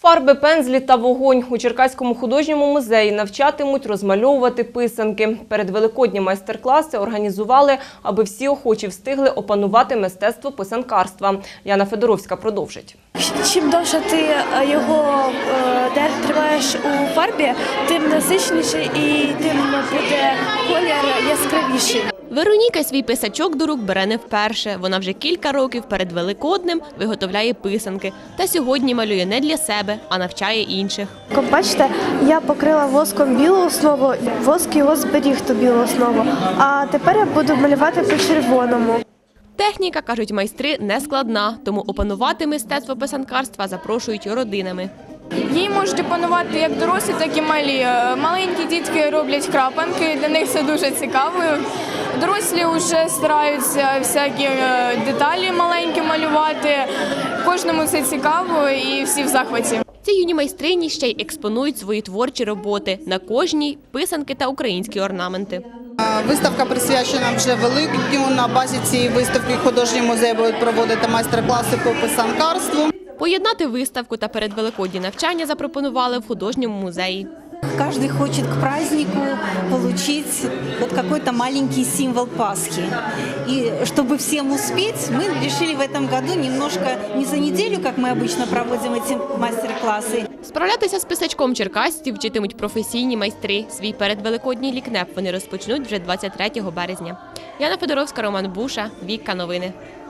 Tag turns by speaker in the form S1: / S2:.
S1: Фарби, пензлі та вогонь. У Черкаському художньому музеї навчатимуть розмальовувати писанки. Перед великодні майстер-класи організували, аби всі охочі встигли опанувати мистецтво писанкарства. Яна Федоровська продовжить.
S2: Чим довше ти його тримаєш у фарбі, тим насичніший і тим буде колір яскравіший.
S3: Вероніка свій писачок до рук бере не вперше. Вона вже кілька років перед Великоднем виготовляє писанки. Та сьогодні малює не для себе, а навчає інших.
S2: Як бачите, я покрила воском білу основу, воск його зберіг ту білу основу. А тепер я буду малювати по червоному.
S3: Техніка, кажуть майстри, не складна, тому опанувати мистецтво писанкарства запрошують родинами.
S4: Її можуть опанувати як дорослі, так і малі. Маленькі дітки роблять крапанки, для них це дуже цікаво. Дорослі вже стараються всякі деталі маленькі малювати. Кожному це цікаво і всі в захваті.
S3: Ці юні майстрині ще й експонують свої творчі роботи. На кожній – писанки та українські орнаменти.
S5: Виставка присвячена вже Великдню. На базі цієї виставки художній музей буде проводити майстер-класи по писанкарству.
S3: Поєднати виставку та передвеликодні навчання запропонували в художньому музеї.
S6: Каждый хочет к празднику получить вот какой-то маленький символ Пасхи. И чтобы всем успеть, мы решили в этом году немножко, не за неделю, как мы обычно проводим эти мастер-классы.
S3: Справлятися з писачком черкасців вчитимуть професійні майстри. Свій передвеликодній лікнеп вони розпочнуть вже 23 березня. Яна Федоровська, Роман Буша, Вікка Новини.